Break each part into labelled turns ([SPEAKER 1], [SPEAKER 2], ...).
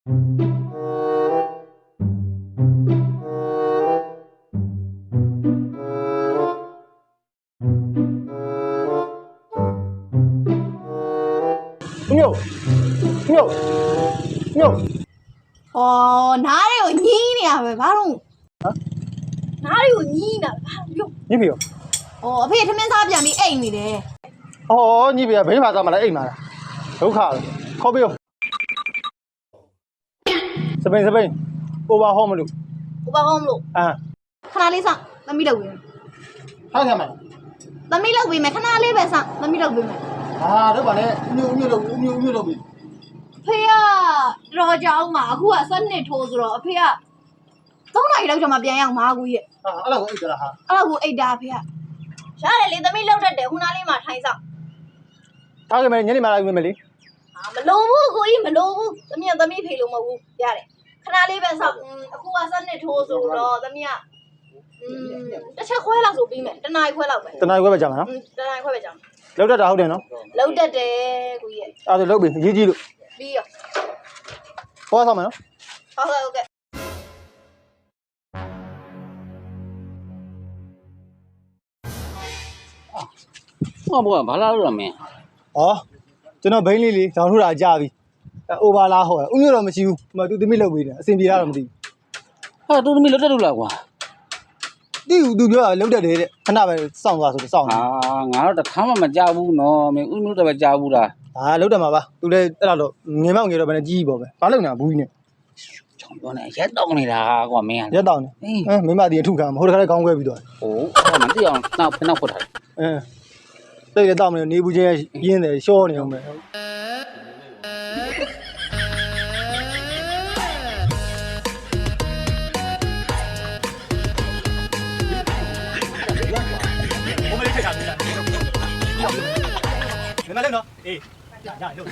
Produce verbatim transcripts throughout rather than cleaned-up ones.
[SPEAKER 1] မျိုးမျိုးမျိုး
[SPEAKER 2] အော်နားတွေကိုညင်းနေရပဲဘာလို့ဟမ်နားတွေကိုညင်းနေတာဘာလို့
[SPEAKER 1] ညစ်ပြီရော
[SPEAKER 2] အော်အဖေထမင်းစားပြန်ပြီးအိမ်နေတယ်
[SPEAKER 1] ဩညစ်ပြီဘိန်းမှာစားမလားအိမ်မှာလားဒုက္ခပဲခေါ်ပြရောစပိန်စပိန် over home မလို့
[SPEAKER 2] over home လို့
[SPEAKER 1] အာ
[SPEAKER 2] ခဏလေးစားသမီးလုပ်ပေးမယ်
[SPEAKER 1] ထားကြမှာ
[SPEAKER 2] သမီးလုပ်ပေးမယ်ခဏလေးပဲစားသမီးလုပ်ပေးမယ်
[SPEAKER 1] ဟာတော့ဗာလဲအမျိုးအမျိုးလုပ်အမျိုးအမျိုးလုပ်ပြီ
[SPEAKER 2] အဖေကတော်ကြောင်းမှာအခုကစက်နှစ်ထိုးဆိုတော့အဖေကသုံးနာရီလောက်ကြာမှပြန်ရအောင်မာကူရဲ့
[SPEAKER 1] ဟာအဲ့လောက်ကိုအိတ်ကြလားဟာ
[SPEAKER 2] အဲ့လောက်ကိုအိတ်တာအဖေကရတယ်လေသမီးလောက်တတ်တယ်ခုနလေးမှထိုင်ဆောင်
[SPEAKER 1] ထားကြမယ်ညနေမှလာပြီမယ်လေ
[SPEAKER 2] ဟာမလိုဘူးကိုကြီးမလိုဘူးသမီးကသမီးဖေလို့မဟုတ်ဘူးရတယ်ခဏလေးပဲဆောက်အခုကစက်နှစ်ထိုးဆိုတော့သမီးကอืมတစ်ချက်ခွဲလောက်ဆိုပြီးမယ်တနားရီခွဲလောက်ပဲ
[SPEAKER 1] တနားရီခွဲပဲကြာမှာနော်
[SPEAKER 2] တနားရီခွဲပဲကြာမှာ
[SPEAKER 1] လောက်တတ်တာဟုတ်တယ်နော်
[SPEAKER 2] လောက်တတ်တယ်ကိုကြီးရဲ့
[SPEAKER 1] အဲ့ဒါလောက်ပြီရေးကြည့်လို့
[SPEAKER 2] ပြီးရော
[SPEAKER 1] ဟောဆောင်မယ်နော်
[SPEAKER 2] ဟုတ်ကဲ့ဟုတ်ကဲ့
[SPEAKER 3] ဟောဘောဘာလာလို့ရမင်း
[SPEAKER 1] ဩကျွန်တော်ဘိန်းလေးလေးဒေါင်းထုတ်တာကြာပြီအိုဘာလာဟောဥမျိုးတော့မရှိဘူးဟိုသူသမီးလောက်ပြီးတယ်အစင်ပြေတာတော့မသိဘူး
[SPEAKER 3] ဟာသူသမီးလောက်တက်လို့လားကွာ
[SPEAKER 1] တိဦးသူပြောတာလောက်တက်တယ်တဲ့ခဏပဲစောင့်သွားဆိုတော့စောင့်
[SPEAKER 3] ဟာငါတော့တခါမှမကြောက်ဘူးနော်မင်းဥမျိုးတော့ပဲကြောက်ဘူးလား
[SPEAKER 1] ဟာလောက်တက်မှာပါသူလည်းအဲ့တော့ငင်မောက်ငယ်တော့ဘယ်နဲ့ကြီးပေါ့ပဲဘာလုပ်နေတာဘူးကြီးနဲ့
[SPEAKER 3] ချောင်းပြောနေရက်တောင်းနေတာကွာမင်း
[SPEAKER 1] ရက်တောင်းနေအဲမိမတီအထုခံမဟုတ်တခါလည်းခေါင်းခွဲပြီးသွား
[SPEAKER 3] ဟိုမသိအောင်နောက်ဖနောက်ဖွတ်ထား
[SPEAKER 1] အဲတိတ်ရတော့မနေဘူးချင်းရင်းတယ်ရှောနေအောင်ပဲ你们来喏，哎，呀呀，有，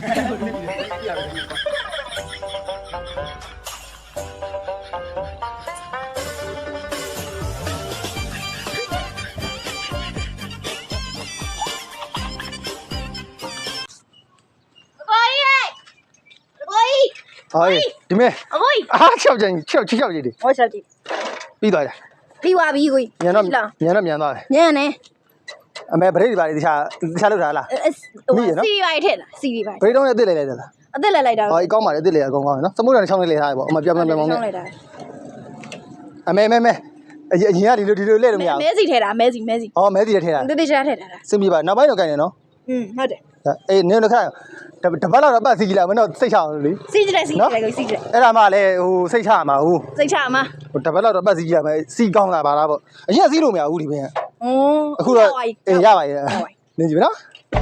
[SPEAKER 1] 哎，ဒီမဲ့
[SPEAKER 2] အကိုကြီး
[SPEAKER 1] အားချောက်ကြင်ချောက်ချောက်ကြီးဒီ
[SPEAKER 2] ဟောချက်ကြီး
[SPEAKER 1] ပြီးသွားတယ်
[SPEAKER 2] ပြီးသွားပြီကိုကြီး
[SPEAKER 1] မြန်တော့မြန်တော့မြန်သွားတယ်
[SPEAKER 2] မြန်နေ
[SPEAKER 1] အမေဗရိတ်တွေပါလေတခြားတခြားလောက်ထားလား
[SPEAKER 2] ဟိုစီရီပါထက်လားစီရီပါ
[SPEAKER 1] ဗရိတ်တော့လည်းအစ်စ်လိုက်လိုက်တယ်လား
[SPEAKER 2] အစ်စ်လိုက်လိုက်တာ
[SPEAKER 1] ဟောအကောင်းပါလေအစ်စ်လိုက်အကောင်းကောင်းနော်စမုတ်တယ်ချောင်းလေးလေးထားရပေါ့အမပြောင်းပြောင်းပြောင်းနဲ့အမေမဲမဲအရင်ကဒီလိုဒီလိုလဲလို့မရဘူး
[SPEAKER 2] မဲစီထဲတာမဲစီမဲစီ
[SPEAKER 1] ဟောမဲစီထဲထဲတာ
[SPEAKER 2] တိတိကျကျထဲတာ
[SPEAKER 1] စင်ပြပါနောက်ပိုင်းတော့ကြိုင်နေနော်
[SPEAKER 2] อืมဟုတ်တယ်
[SPEAKER 1] အေးနင်းတို့ခါတပတ်လောက်တော့ပတ်စီကြည့်လိုက်မနော်စိတ်ချအောင်လေ
[SPEAKER 2] စီကြတယ်စီကြတယ်ကိုစီကြတယ်
[SPEAKER 1] အဲ့ဒါမှလည်းဟိုစိတ်ချမှာဟို
[SPEAKER 2] စိတ်ချမှာ
[SPEAKER 1] ဟိုတပတ်လောက်တော့ပတ်စီကြည့်ရမယ်စီကောင်းလာပါလားပေါ့အရင်စီးလို့မရဘူးဒီဘင်းက
[SPEAKER 2] อ๋อ
[SPEAKER 1] အခုတော့အေးရပါရဲ့နေကြည့်နော်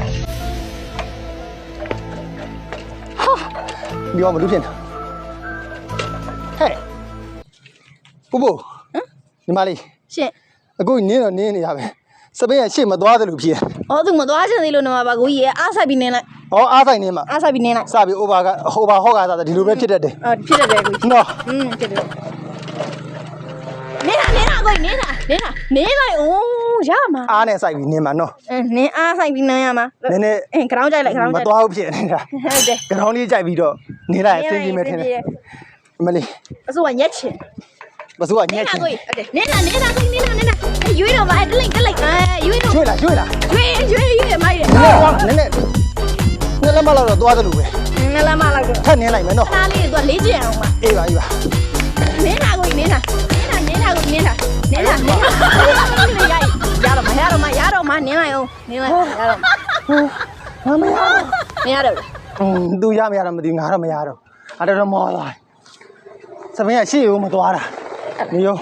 [SPEAKER 1] ဟာဒီအောင်မလို့ဖြစ်နေဟဲ့ပူပူဟမ်ညီမလေး
[SPEAKER 2] ရှင်
[SPEAKER 1] အခုနင်းတော့နင်းနေရပဲစပင်းကရှေ့မသွားသလိုဖြစ်
[SPEAKER 2] ။အော်သူမသွားချင်သေးလို့နော်ပါကိုကြီးရဲ့အားဆိုင်ပြီးနင်းလိုက်
[SPEAKER 1] ။ဟောအားဆိုင်နင်းမှာ
[SPEAKER 2] အားဆိုင်ပြီးနင်းလိုက်
[SPEAKER 1] ။စပြီး over က over ဟော့ကစားတယ်ဒီလိုပဲဖြစ်တတ်တယ်
[SPEAKER 2] ။အော်ဖြစ်တတ်တယ်ကိုကြီး
[SPEAKER 1] ။နော်
[SPEAKER 2] ။อืมဖြစ်တယ်။နင်းတာနင်းတာကိုကြီးနင်းတာနင်းတာနင်းလိုက်အိုးရမှာ
[SPEAKER 1] ။အားနဲ့ဆိုင်ပြီးနင်းမှာနော်
[SPEAKER 2] ။အင်းနင်းအားဆိုင်ပြီးနင်းရမှာ
[SPEAKER 1] ။နင်းနဲ့
[SPEAKER 2] အင်း ground ကြိုက်လိုက် ground
[SPEAKER 1] ကြိုက်မသွားဘူးဖြစ်နေတာ
[SPEAKER 2] ။ဟုတ်တယ်
[SPEAKER 1] ။ ground လေးကြိုက်ပြီးတော့နင်းလိုက်အဆင်ပြေမယ်ထင်တယ်။မလေး
[SPEAKER 2] အစိုးရညက်ချင်
[SPEAKER 1] မစိုးကညက်ချင်
[SPEAKER 2] ဟုတ်တယ်နင်းတာနင်းတာကိုနင်းတာနင်းတာရွေးတော့ပါတလိမ့်တလိမ့်အဲရွေးတော့
[SPEAKER 1] ရွေးလားရွေးလား
[SPEAKER 2] ရွေးရွေးရွေးမိုက်တယ်
[SPEAKER 1] နည်းနည်းနည်းလက်မလောက်တော့သွားသလိုပဲ
[SPEAKER 2] နည်းလက်မလောက်တော့
[SPEAKER 1] ထပ်နင်းလိုက်မယ်နော်
[SPEAKER 2] အားလေးတော့လေးကျင်အောင်ပါ
[SPEAKER 1] အေးပါအေးပါ
[SPEAKER 2] နင်းတာကိုနင်းတာနင်းတာနင်းတာကိုနင်းတာနင်းတာနင်းတာရတော့မရတော့မရတော့မနင်းလိုက်အောင်နင်းလိုက်ရတော့
[SPEAKER 1] မမရ
[SPEAKER 2] မရတော့
[SPEAKER 1] อืมသူရမရတော့မသိငါတော့မရတော့အဲ့တော့မောသွားစပင်းကရှေ့ကိုမသွားတာနေရော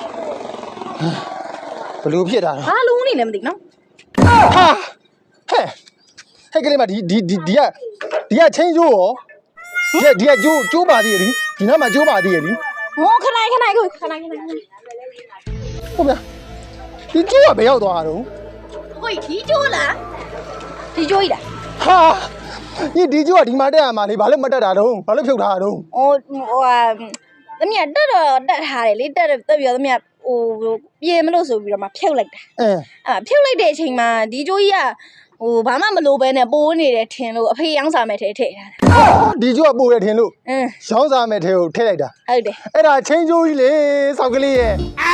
[SPEAKER 1] ဘလို့ဖြစ်တာတော့
[SPEAKER 2] ဘာလုံးနေလဲမသိနော်
[SPEAKER 1] ဟာဟဲ့ဟဲ့ကလေးမဒီဒီဒီဒီကဒီကချင်းကျိုးရောဒီကဒီကကျိုးကျိုးပါသေးတယ်ဒီနားမှာကျိုးပါသေးတယ်လी
[SPEAKER 2] ဟောခဏခဏကိုခဏခဏ
[SPEAKER 1] ဟုတ်ဗျာဒီကျိုးကဘယ်ရောက်သွားတာတော့
[SPEAKER 2] ဟိုဒီကျိုးလားဒီကျိုးကြီးလား
[SPEAKER 1] ဟာဒီဒီကျိုးကဒီမှာတက်ရမှာလေဘာလို့မတက်တာတော့ဘာလို့ဖြုတ်ထားတာတော့
[SPEAKER 2] ဟိုဟိုဟာသမီးကတက်တော့တက်ထားတယ်လေတက်တက်ပြီးတော့သမီးကဟိုပြေမလို့ဆိုပြီးတော့မှဖြုတ်လိုက်တာ
[SPEAKER 1] အဲ
[SPEAKER 2] အဲ့ဖြုတ်လိုက်တဲ့အချိန်မှာဒီကျိုးကြီးကဟဟိုဘာမှမလိုပဲနဲ့ပိုးနေတယ်ထင်လို့အဖေရောင်းစားမဲ့ထဲထည့်ထားတာ
[SPEAKER 1] ဒီကျိုးကပို့ရထင်လို့
[SPEAKER 2] အင်း
[SPEAKER 1] ရောင်းစားမဲ့ထဲကိုထည့်လိုက်တာ
[SPEAKER 2] ဟုတ်တယ်
[SPEAKER 1] အဲ့ဒါချင်းကျိုးကြီးလေစောက်ကလေးရဲ့
[SPEAKER 2] အာ